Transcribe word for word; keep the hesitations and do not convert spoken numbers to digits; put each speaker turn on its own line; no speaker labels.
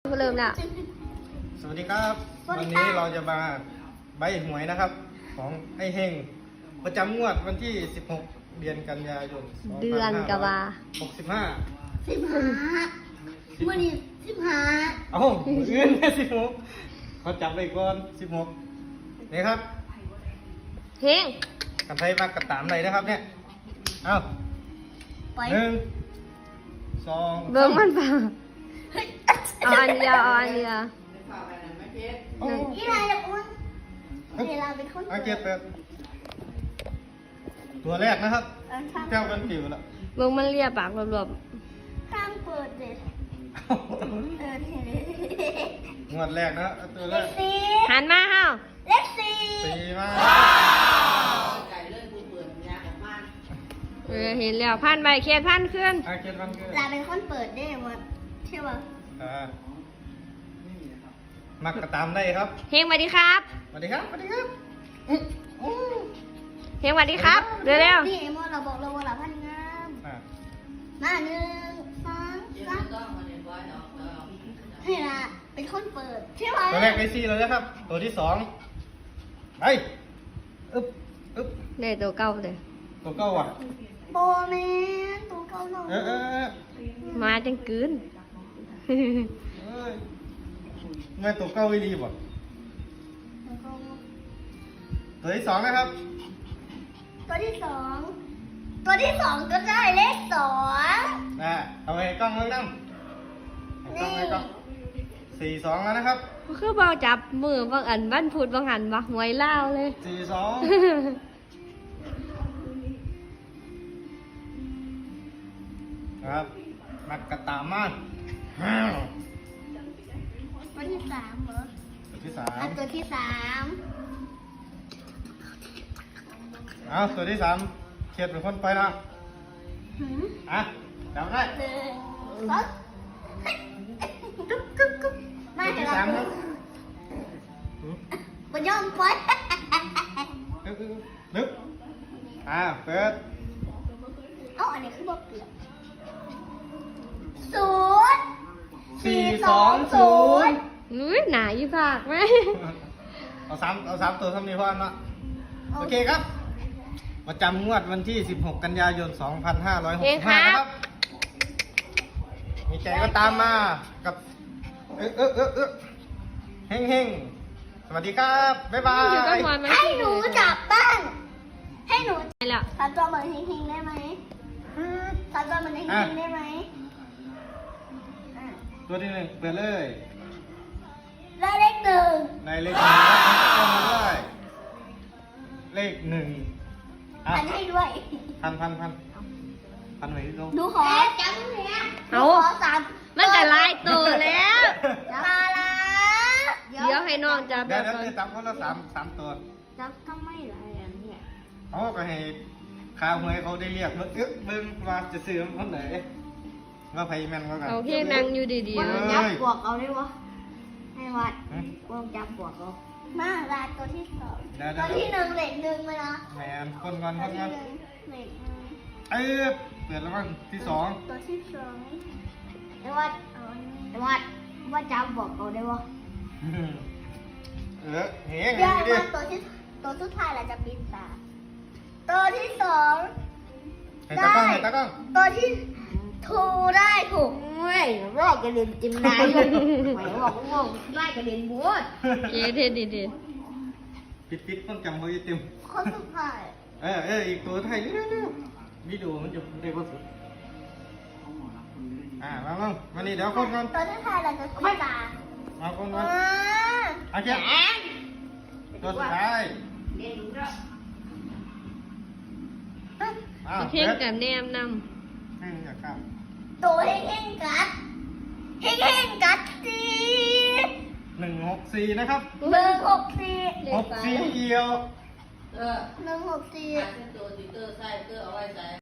เริ่มแล้ว
สวัสดีครับ วันนี้เราจะมาใบหวยนะครับ ของไอ้เฮงประจำงวดวันที่ สิบหก เดือนกันยายน
เดือนกะว่า
หกสิบห้า
สิบห้าเมื่อนี้สิบห้า
เอ้ามืออื่นแค่สิบหกเขาจับไปก่อนสิบหกนี่ครับ
เฮง
กันไทยมากระตามเลยนะครับเนี่ยเอ้า
ไป
หนึ่งสอง
เบิ่งมันเปล่า
เฮ้ย
เอาอันเดียวเอาอันเดียว
โอ้
ยี่ไรจะอุ้นเวลาเป็นคน
อาเกียรติตัวแรกนะครับ
เออข้าง
เจ้าเป็นผิวแล้ว
เบิ่งมันเลียปากรวบ
ข้างเปิดเด็ดเออเห็นเลย
งวดแรกนะตัว
เล
แร
ข
ก
สี่
ๆหันมาเฮา
เลขสี่
สี่มา
เออเห็นแล้วพันใบเขียนพันขึ้น
อาเกียรติวันเกิด
ลาเป็นคนเปิดได้หมดใช่ป่ะ
อ่ามักกระตามได้ครับ
เฮงสวัสดีครับ
สวัสดีครับสวัสดีครับ
เฮงสวัสดีครับเร็ว
นี่ไอ้โมเราบอกเราว่าเราพันงาม
อ่า
มาหนึ่งสองสามให้ละเป็นคนเปิดใช่ป่ะ
ตัวแรกได้สี่แล้วนะครับ ตัวที่สองไปอึ๊บอึ๊บ
ๆได้ตัวเก่าเลย
ตัวเก้าว่ะ
โบแมนตัวเก่าหน่อย
เออเออเออ
มาจังกืน
เอ้ยแม่ตัวเก้าไม่ดีบ่
ตัวเก่า
ตัวที่สองนะครับ
ตัวที่สอง ตัวที่สองก็ได้เลขสอง
อ่าเอาไปกล้องเลยนั่งกล้องเลยกล้องสี่สองแล้วนะครับ
คือเบาจับมือบางอันบ้านพูดบางอันบักหวยเล่าวเลย
สี่สองครับมักกระตามมาห้าว
ตัวที่สามเหรอ
ตัวที่สา
อ่ะ
ม
ตัวที่สาม
เอาตัวที่สามเขียดเป็นคนไปนะ
หืม
อ่ะจำได้
หนึ่งสองกุ๊บกุ๊บกุ๊บมา
ตัว
เดี๋ย
ที่
ว
สามค
เรา
รับอืม
บนย่อมปล่อย
นึกนึกนึกอ่าเปิด
เอ้าอันนี้คือบอกเปลี่ยนศูนย์
สี่สองศูนย์
อุ้ยหนาอีภาคไหม
เอาสามเอาสามตัวทำนี้พอนะโอเคครับประจำงวดวันที่ สิบหก กันยายน สองพันห้าร้อยหก
เฮ
สิ
ง
บ
ค
ห้า
รั
นะ
บ
ครับมีใจก็ตามมากับเออเออเออเออเฮงเฮงสวัสดีครับ บ๊ายบา
อยู่กับ
ย
หมอนมัน
ให้หนูจับบ้างให้หนู
ไปแล้ว
ทำตัวเหมือนเฮงๆได้ไหมทำตัวเหมือนเฮงๆได้ไหมอ่ะ
ตัวที่หนึ่งเปิดเลย
ได้เลขหนึ่ง
ในเลขหนึ่งครับเข้ามาด้วยเลขหนึ่งอ่ะ
อันให้ด้วย
พันพันพันพันไหนที่ตรง
ดูขอจับเนี่ย
เอา
ขอสาม
มันจะลายตัวแล้ว
มาละ
เดี๋ยวให้น้องจับแบ
เดี๋ยว
บ
เดี๋ยว
ก่อน
จะจับคนละสามสามตัว
จับทำไมล่ะอันเนี่ย
เขาก็ให้ข้าวหวยเขาได้เรียกเบิ้งเอ๊ะเบิ้งว่าจะซื้อมันคนไหนว่าไพแมนก็กัน
เอาเพียงนั่งอยู่ดีๆ
วัน
นะ
จับบวกเอาได้วะให้วัด
หืม
วงจับบวกเอามาลาตัวที่สอง
ได้ได้
ตัวที่หนึ่งเหล็กหนึ่งเลยนะ
แมนคนก่อนค
ตัวน ที่
ก่อน
หนึ่งเหล็กหนึ่ง
เอ้ยเปิดแล้วมั้งที่สอง
ตัวที่สองไอ้วัดเอาอันนี้ไอ้วัดว่าจับบวกเอาได้วะ
อืมเออเฮ้ย
เดี๋ยว
ดิ
มาตัวที่ตัวสุดท้ายเราจะปิดตา ตัวที่สอง
ให้ตากล้องให้ตากล้อง
ตัวที่ถูได้ถูกเว้ยรอกกระเด็นจิมนายเลยหมายบอกว่าได้กระเด็นบัว
เย้เด็ดดี
ปิดปิดต้องจำเขาจะเต็ม
คนสุดท้าย
เออเอออีกตัวไทยนี่นี่วิดีโอมันจะได้ก็สุดอ่ามาบ้างมานี่เดี๋ยวคนก่อน
ตัวสุดท้ายเราจะปิดตา
มาคน
อ่
ก่อนโอเคตัวสุดท้ายอ้าว
ๆเพียงกับแนมน
ให้มึงอยากข้าม
ตัวเฮงเฮงกัดเฮงเฮงกัดสี
หนึ่งหกสี่นะครับ
หนึ่งหกสี่
หกสี่เอียว
เออ
หนึ่งหกสี่
หาเส้นตัวติเตอร์ใส่เตอร์เอาไว้ใส่